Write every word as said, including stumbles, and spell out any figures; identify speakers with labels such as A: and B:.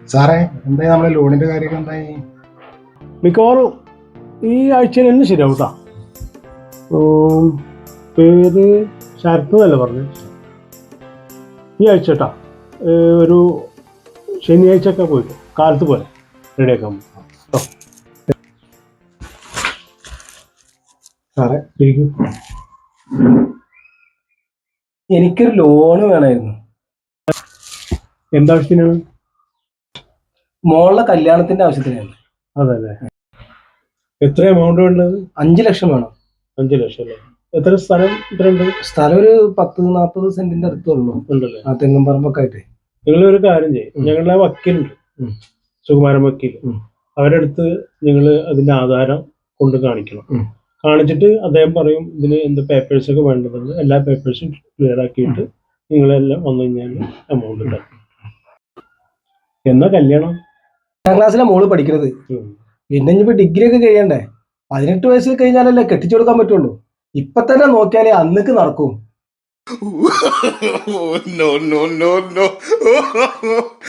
A: സാറേ എന്തായി നമ്മളെ ലോണിന്റെ കാര്യമൊക്കെ എന്തായി?
B: മിക്കവാറും ഈ ആഴ്ചയിൽ തന്നെ ശരിയാവും കേട്ടോ. പേര് ശരത്ത് എന്നല്ല പറഞ്ഞു. ഈ ആഴ്ച കേട്ടാ ഒരു ശനിയാഴ്ച ഒക്കെ പോയിട്ട് കാലത്ത് പോലെ റെഡിയാക്കാൻ കേട്ടോ.
C: സാറേ
B: ശരിക്കും
C: എനിക്കൊരു ലോണ് വേണമായിരുന്നു.
B: എന്താവശ്യത്തിനാണ്?
C: മോളുടെ കല്യാണത്തിന്റെ ആവശ്യത്തിനാണ്.
B: അതല്ലേ, എത്ര എമൗണ്ട് വേണ്ടത്?
C: അഞ്ചു ലക്ഷം വേണം.
B: അഞ്ചു ലക്ഷം അല്ലേ? എത്ര സ്ഥലം ഇത്ര ഉണ്ട്?
C: സ്ഥലം ഒരു പത്ത് നാൽപ്പത് സെന്റിന്റെ അടുത്തുള്ളൂ.
B: ഉണ്ടല്ലേ?
C: ആ തെങ്ങും പറമ്പൊക്കെ ആയിട്ട്.
B: നിങ്ങൾ ഒരു കാര്യം ചെയ്യും, ഞങ്ങളുടെ വക്കീലുണ്ട്, സുകുമാരൻ വക്കീൽ, അവരുടെ അടുത്ത് നിങ്ങൾ അതിന്റെ ആധാരം കൊണ്ട് കാണിക്കണം. കാണിച്ചിട്ട് അദ്ദേഹം പറയും ഇതിന് എന്ത് പേപ്പേഴ്സ് ഒക്കെ വേണ്ടതുണ്ട്. എല്ലാ പേപ്പേഴ്സും ക്ലിയർ ആക്കിയിട്ട് നിങ്ങളെല്ലാം വന്നു കഴിഞ്ഞാൽ എമൗണ്ട് തരും. എന്നാ കല്യാണം?
C: എട്ടാം ക്ലാസ്സിലെ മോള് പഠിക്കുന്നത്. പിന്നെ ഇനിയിപ്പോ ഡിഗ്രി ഒക്കെ കഴിയണ്ടേ? പതിനെട്ട് വയസ്സ് കഴിഞ്ഞാലല്ലേ കെട്ടിച്ചു കൊടുക്കാൻ പറ്റുള്ളൂ. ഇപ്പൊ തന്നെ നോക്കിയാലേ അന്നക്ക് നടക്കും.
D: no, no, no, no.